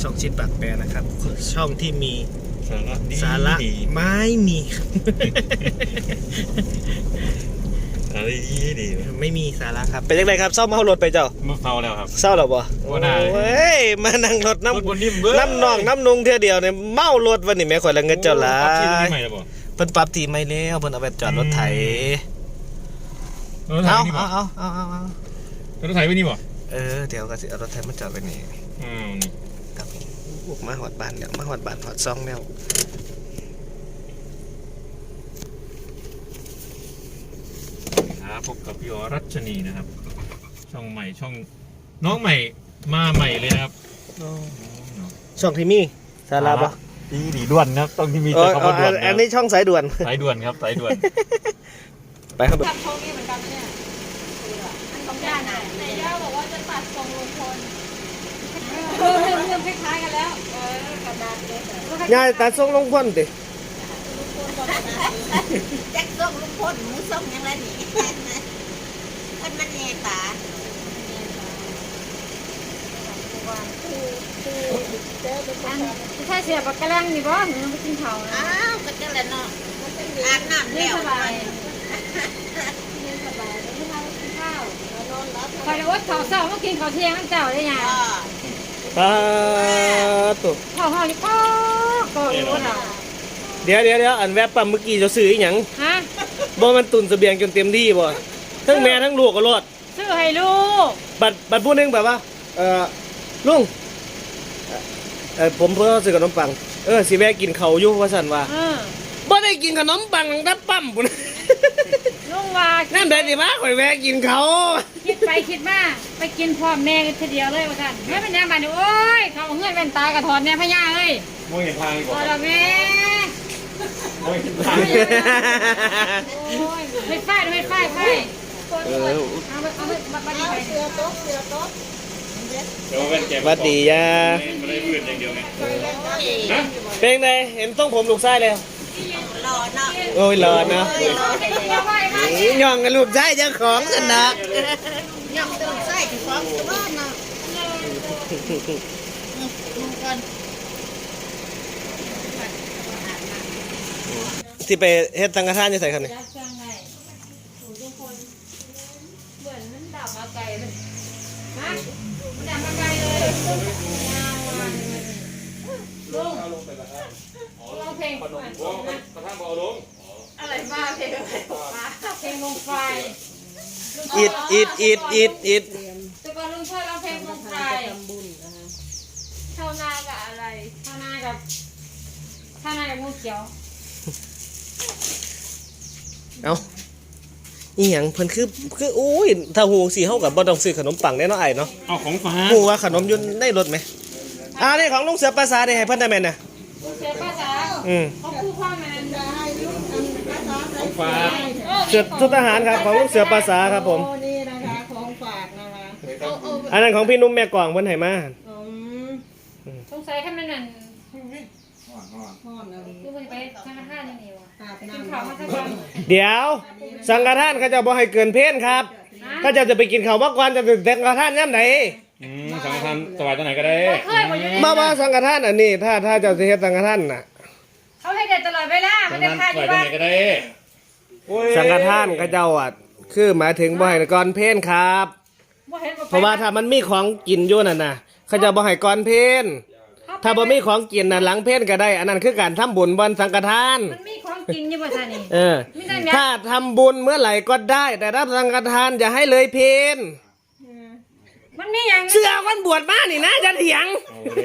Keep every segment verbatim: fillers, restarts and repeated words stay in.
ช่องชิดปากแปรนะครับ ช่องที่มีสาระดีสาระไม่มีสาระดีดีไม่มีสาระครับเป็นยังไงครับเศร้าเมารถไปเจ้ามาเฝ้าแล้วครับเศร้าหรอบ่โอ้ได้เฮ้ยมานั่งรถน้ำรถบนนิ่มเบ้อน้ำนองน้ำนุงเท่าเดียวเนี่ยเมารถวันนี้แม่ข่อยละเงินเจ้าหลาปรับที่ยใหม่แล้วบ่เพิ่นปรับทีไม่แล้วเพิ่นเอาไปจอดรถไถเอาเอาเอาเอาเอาเอารถไถไว้นี่บ่เออเดี๋ยวก็สิเอารถไถมาจอดไว้นี่อืมนี่ครับบุกมาหอดบ้านแล้วมาหอดบ้านหอดซองแล้วครับพบกับพี่อรัชนีนะครับช่องใหม่ช่องน้องใหม่มาใหม่เลยนะครับช่องที่มีสาระปะดีดีด่วนนะครับต้องที่มีแต่คำว่าด่วนอันนี้ช่องสายด่วนสายด่วนครับสายด่วนไปครับตัดทรงนี่เหมือนกันเนี่ยอันของย่าไหนไหนย่าบอกว่าจะตัดทรงลุงพลเออเรื่องคล้ายๆกันแล้วเออกระดาษเลยยายตัดทรงลงพ่นดิแจ็คส่งลุงพลหมูส่งยังไงนี่คนมันแย่ตาใช่เสียบกระแลงนี่บ่หนูไปกินข้าวนะอ้าวก็จะเลยเนาะอาบน้ำเรียแล้วนสบายเรียนสบายไม่ทำกินข้าวคอยอดข้าวเช้ามากินข้าวเที่ยงนั่นเจ้าได้ยังตาตุกข้าวห่อนี่ก็ก็รู้เราเดี๋ยวเดี๋ยวเดี๋ยวอันแวบปั๊มเมื่อกี้จะซื้ออีหยังฮะบ่มันตุนเสบียงจนเต็มที่บ่ทั้งแม่ทั้งลูกก็รอดซื้อให้ลูกบัดบัดผู้หนึงแบบว่าเออลุงเออผมเพิ่งซื้อขนมปังเออสิแวะกินข้าวอยู่ว่าซั่นว่าเออบ่ได้กินขนมปังตั้งแต่ปั๊มพุ่นลุงว่านั่นได้สิมาข่อยแวะกินข้าวคิดไปคิดมาไปกินพร้อมแม่กันทีเดียวเลยว่าท่านแม่เป็นยังไงโอ้ยเขาเงื่อนเป็นตายกระถอนเนี่ยพญาเอ้ยมองเห็นทางอีกพบ่อแล้วแม่มองเห็นทางโอ้ยเฮ็ดไฟเฮ็ดไฟไฟเออเอาไปเอาไปบัดบัดไปเสือโต๊ะเสือโต๊ะเดี๋ยวเป็นแกสวัสดีย่าไม่ได้พื้นอย่างเดียวไงนะเป็นไงเห็นต้องผมลูกชายแล้วรอเนาะโอ้ยรอเนาะรอให้เลยเอาไปมาย่องกับลูกชายเจ้าของกันนะย่อมต้องใส่ถึงของตัวเนาะลุงพลสิไปเฮ็ดสังฆทานอยู่ไสครับนี่จับจังไงทุกคนเหมือนมันดับมาไกลเลยฮะมันดับมาไกลเลยยาววันลุงร้องเพลงโอ้กระทั่งบ่เอาลงอะไรบ้าเพลงอะไรมาเพลงวงไฟอิดอิดอิดอิดอิดแต่ก่อนลุงช่วยร้องเพลงวงไฟเท่านากับอะไรเท่านากับเท่านากับงูเขียวเอ้าอีหยังเพิ่นคือคือโอ้ยถ้าฮู้สิเฮาก็บ่ต้องซื้อขนมปังแน่เนาะไอ้เนาะเอาของฝากฮู้ว่าขนมอยู่ในรถไหมอ่านี่ของลุงเสือภาษาได้ให้เพิ่นได้แม่นน่ะงูเขียวภาษาอืมเขาพูดความมันของฝากเสือชุดทหารครับของลุงเสือภาษาครับผมนี่นะคะของฝากนะคะอันนั้นของพี่นุ่มแม่กวางเพิ่นให้มาอืมสงสัยแค่มันนั่นห่อนอะไรคือมันไปธนาคารยังไงวะอาบกินน้ำข้าวมาสักวันเดี๋ยวสังฆทานเขาจะบ่ให้เกินเพลครับเขาจะจะไปกินข้าวมาก่อนจะถึงสังฆทานยามไหนอืมสังฆทานสบายตัวไหนก็ได้เคยบ่อยู่มาว่าสังฆทานอันนี้ถ้าถ้าเจะเฮ็ดสังฆทานน่ะเขาให้เด็ดตลอดเวลาสัไม่งฆได้ทานค่าสอบายยู่ตัวบ้าไหนนก็ได้สังฆทานเขาเจ้าอ่ะคือหมายถึงบ่ให้ก่อนเพลนครับบ่เห็นบ่เพราะว่าถ้ามันมีของกินอยู่นั่นน่ะเขาจะบ่ให้ก่อนเพลนถ้าบ่มีของกินน่ะหลังเพลนก็ได้ อันนั้นคือการทำบุญบนสังฆทานมันมีของกินอยู่บ่ท่านี่เออมีแต่เนี้ยถ้าทำบุญเมื่อไหร่ก็ได้ แต่ถ้าสังฆทานอย่าให้เลยเพลนมันมีอย่างเสื้อคนบวชมานี่นะจะเถียง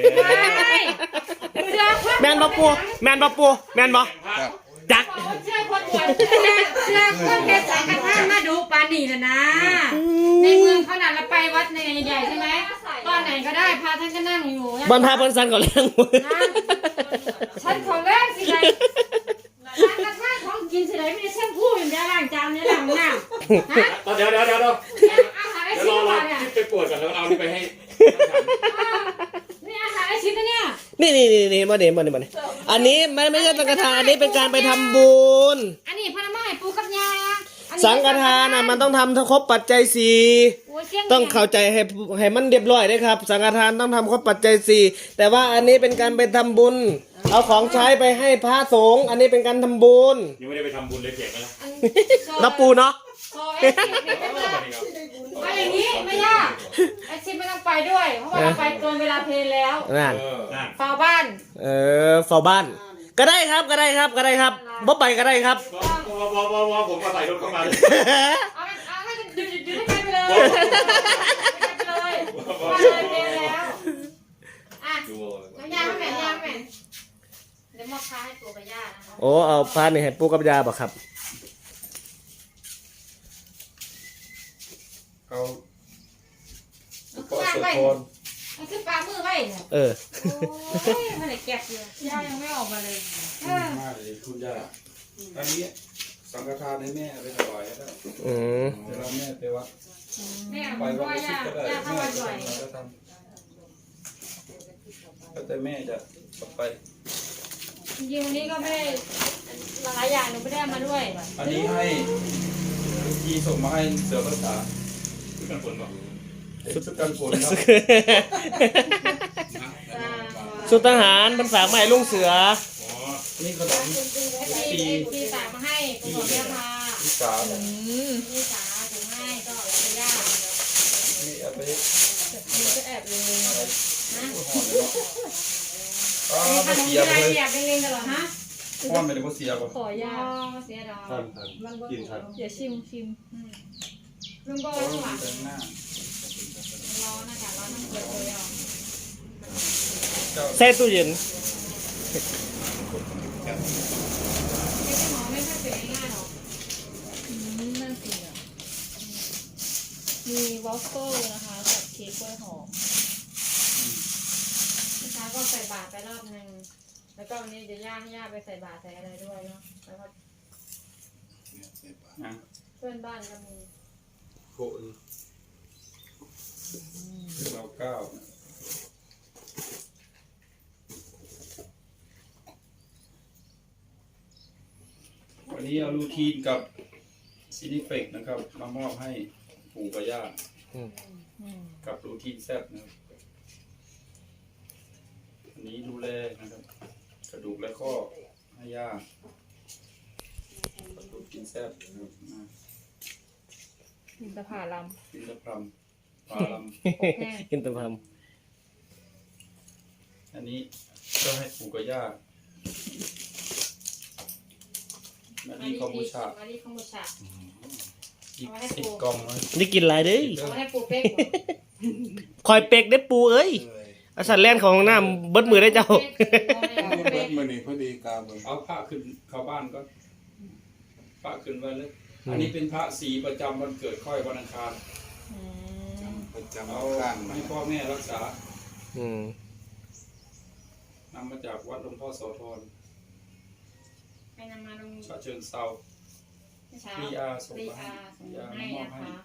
เสื้อคนแมนบ่ปูแมนบ่ปูแมนบ่จักเสื้อคนบวชเสื้อคนเพชรสังฆทานมาดูปานี่น่ะนะในเมืองเขาน่ะเราไปวัดในใหญ่ๆใช่ไหมตอนไหนก็ได้พาท่านก็นั่งอยู่บรรพาเพิ่นสันก็เลี้ยงมือฉันขอแรกสิไงร้านกระทะของกินสิไรไม่ได้แช่มพูอย่างเดียวล้างจานเนี่ยล้างน้ำฮะเดี๋ยวเดี๋ยวเดี๋ยวเดี๋ยวอาหารไอเดี๋ยวชิ้รนอก่รออนเนี่ยไปปวดก่อนแล้วเอานี่ไปให้นี่อาหารไอชิ้นนะเนี่ยนี่นี่นี่นี่มาเดี๋ยวมาเดี๋ยวมาเดี๋ยวอันนี้ไม่ไม่ใช่สังฆทานอันนี้เป็นการไปทำบุญอันนี้พนักงานปูกับยาสังฆทานน่ะมันต้องทำทั้งครบปัจจัยสี่โอ้ยเกี้ยงต้องเข้าใจให้ให้มันเรียบร้อยด้วยครับ สังฆทานต้องทำข้อปัจจัยสี่แต่ว่าอันนี้เป็นการไปทำบุญ เอาของใช้ไปให้พระสงฆ์อันนี้เป็นการทำบุญยังไม่ได้ไปทำบุญเลยเพียงกันละนะปูเนาะโซเอซิเนี่ยไม่ได้เอาอย่างนี้ไม่ยากไอซิไม่ต้องไปด้วย เพราะว่าเราไปเกินเวลาเพลแล้วนั่นเออนั่นเฝ้าบ้านเออเฝ้าบ้าน ก็ได้ครับก็ได้ครับก็ได้ครับบ่ไปก็ได้ครับวอวอวอวอผมก็ใส่รถเข้ามาเลยเอาเอาให้หยุดหยุดหยุดให้ไปเลยไปเลยไปเลยเพลแล้วอ่ะดูน้ำยาไม่แม่ยาไม่แม่เดี๋ยวมอบพาให้ตัวกับย่านะคะโอ้เอาพานี่ให้ปูกับยาบ่ครับเอาเอาก็ข้างสะไว้ท้อนมันคือปลามือไว้เนี่ยเออโอ้ยมันไหนแก็บอยู่ย่ายังไม่ออกมาเลยเออมากเลยคุณย่าอันนี้สังฆทานให้แม่เอาไปถวายแล้วอืมเวลาแม่ไปวัดแม่ไปเพราะวัดว่าชิย่าดก็ได้ย่าเข้าแม่วัดบ่อยจะทำก็แต่แม่จะไปจริงๆวันนี้ก็ไม่ได้หลายอย่างหนูไม่ได้เอามาด้วยอันนี้ให้ลูกจีส่งมาให้เสือภาษาคือกันฝนบอกชุดกันฝนครับสุดทหารมันฝากมาให้ลุงเสืออ๋อนี่ขนมทีทีสามมาให้คุณของย่าพาที่สามทีสามถึงให้ก็เอาไปย่านี่เอาไปมีก็แอบเลยนะอ๋อมีขไม่นมเสีที่ยไรเลยแอบเล็งๆกันเหรอฮะพ่อไม่ได้ก็เสียบ่ขอย่าเสียดอกท่านท่านกินท่านเดี๋ยวชิมชิมลุงก็โอ้ข้างหลังแต่งหน้าร้อนอากาศร้อนน้ำเกลือเลยอ่ะเจ้าใส่ตู้เย็นเค้กหมอไม่ค่อยเป็นง่ายหรอกอืมน่ากินอ่ะมีวอฟเฟิลนะคะกับเค้กกล้วยหอมเมื่อเช้าก็ใส่บาตรไปรอบนึงแล้วก็วันนี้เดี๋ยวย่าให้ย่าไปใส่บาตรใส่อะไรด้วยเนาะแล้วก็อ่ะเพื่อนบ้านก็มีโกนเราเก้าวันนี้เอาลูทีนกับซินิเฟกนะครับ มามอบให้ปู่กับย่าอืมกับรูทีนแซบนะครับอันนี้ดูแลนะครับ กระดูกและข้อให้ย่ากับรูทีนแซบนะครับนะอินทผลัมกินตะพรำปลาลอบแห้งกินแตะพามำอันนี้ก็ให้ปู่กับย่านาดีคอมบูชามาดีคอมบูชาอีกสิบกล่องนะได้กินหลายเด้ยเอาไว้ให้ปูเป๊กคอยเป็กได้ปูเอ้ยอาสัตว์แล่นของน้ำเบิดมือได้เจ้าเบิดมื้อนี้พอดีกาเบิ่งเอาพระขึ้นเข้าบ้านก็พระขึ้นไว้เลย อันนี้เป็นพระสีประจำวันเกิดค่อยวันอังคารประจำเอาข้างมาให้พ่อแม่รักษาอืมนำมาจากวัดหลวงพ่อโสธรไปนำมาลงฉะเชิงเซาเช้าพีอาร์ส่งรีมาให้อาส่งพีอาร์ให้มามอบนะให้คะ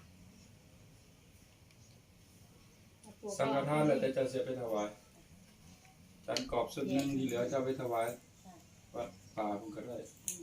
สังฆทานแล้วแต่จะเสียไปถวายจานกรอบสุดหนึงที่เหลือจะเอาไปถวายวัดป่าผมก็ได้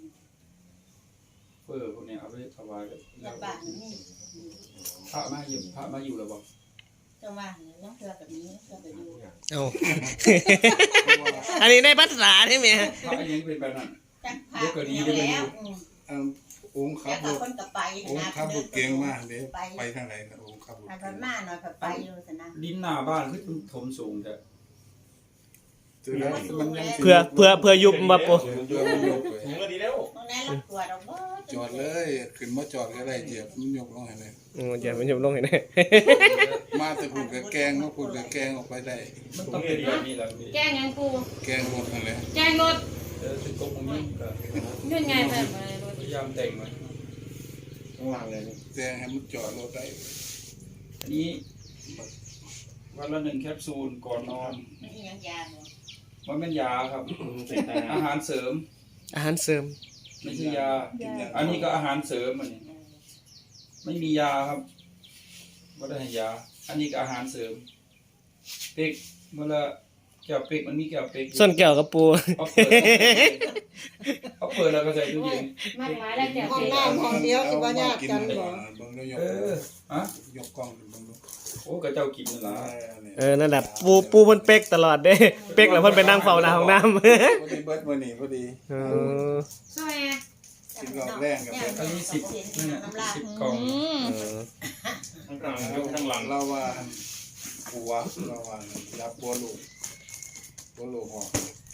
เฟอร์พวกเนี้ยเอาไปถวายเลยลำบากนี่พระมาอยู่พระมาอยู่แล้วบอกจะว่าน้องเกลือแบบนี้เกลือแบบนี้เอาอันนี้ในภาษาใช่ไหมพระยังเป็นแบบนั้นจักพาเดี๋ยวก็ดีเดี๋ยวก็ดีแล้วอันองค์ขัแล้บวรถก็คนกับไปองค์นะขับรถเก่งมากเด้ไปทางไหนครับองค์ขับรถหันเก่งมาหน่อยกับไปอยู่สินะดินหน้าบ้านคือถมสูงแต่เจอแล้วมันยังสิเพื่อเพื่อเพื่อยุบมาปูเจอมันยกเลยถึงก็ดีแล้วตรงนั้นเรากลัวเราบ่จอดเลยขึ้นมาจอดก็ได้เหยียบมันยกลงให้เลยอืมอย่ามันยุบลงเห็นไหมมาแต่พูดกับแกงมาพูดกับแกงออกไปได้มันต้องเป็นแบบนี้แหละพี่แกงยังปูแกงรถนั่นแหละแกงรถเออเป็นตรงตรงนี้ก็ยื่นไงแบบอะไรรถพยายามแต่งมาข้างล่างเลยแกงให้มันจอดรถได้อันนี้วันละหนึ่งแคปซูลก่อนนอนไม่ใช่ยังยาเนาะมันเป็นยาครับใส่ตาอาหารเสริมอาหารเสริมไม่ใช่ยากินยาอันนี้ก็อาหารเสริมอันนี้ไม่มียาครับไม่ได้ให้ยา อันนี้ก็อาหารเสริมเด็กเมื่อละแก้วเป็กมันมีแก้วเป็กอยู่ส้นแก้วกับปูเขาเปิดเขาเปิดแล้วก็ใส่ตู้เย็นมากหลายแล้วแต่ห้องเป็นน้ำห้องเดียวสิบ่ญาติกันบ่เบิ่งแล้วยกเออฮะยกกล้องขึ้นเบิ่งดูโอ้กระเจ้ากินนั่นล่ะเออนั่นแหละปูปูเพิ่นเป๊กตลอดเด้เป๊กแล้วเพิ่นไปนั่งเฝ้าหน้าห้องน้ำพอดีเบิดมื้อนี้พอดีเออซอยอ่ะกินรอบแรงกับเบิดอันนี้สิบนี่นน่ะสิบกล่องเออข้างหลังยกข้างหลังเราว่าผัวเราว่ารับบัวลูกบัวลูกหอก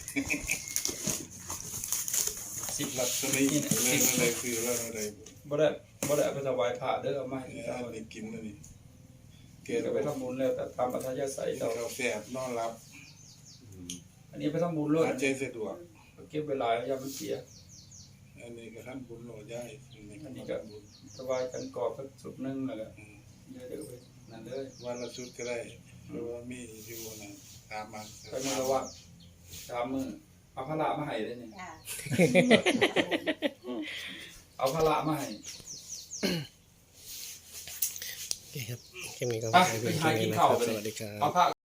สิบลักษณะนี้เลยอะไรคือเรื่องอะไรบ่ได้บ่ได้เอาไปถวายพระเด้อเอามาให้เนี่ยเจ้าเอาไปกินแล้วนี่เกเก็บลือไปทำบุญแล้วแต่ตามอัธยาศัยเราเราแสบนอนรับอันนี้ไปทำบุญเลยหายใจสะดวกเก็บเวลาอย่ามันเสียอันนี้ก็ท่านบุญโหลดได้อันนี้อันนี้ก็ก็ถวายกันกรอบสักสุดหนึงนั่นแหละเดี๋ยวเดี๋ยวไปนั่นเลยวันละชุดก็ได้เพราะว่ามีอยู่นะตามมาไปมือละวัดสามมือเอาพระละมาให้เลยนี่จ้าเอาพระละมาให้โอเคครับคลิปนี้ก็ไปขอบไปคุณหาที่กินนะคข้าวรับไปสเลยวัสดีครัเอาบพระ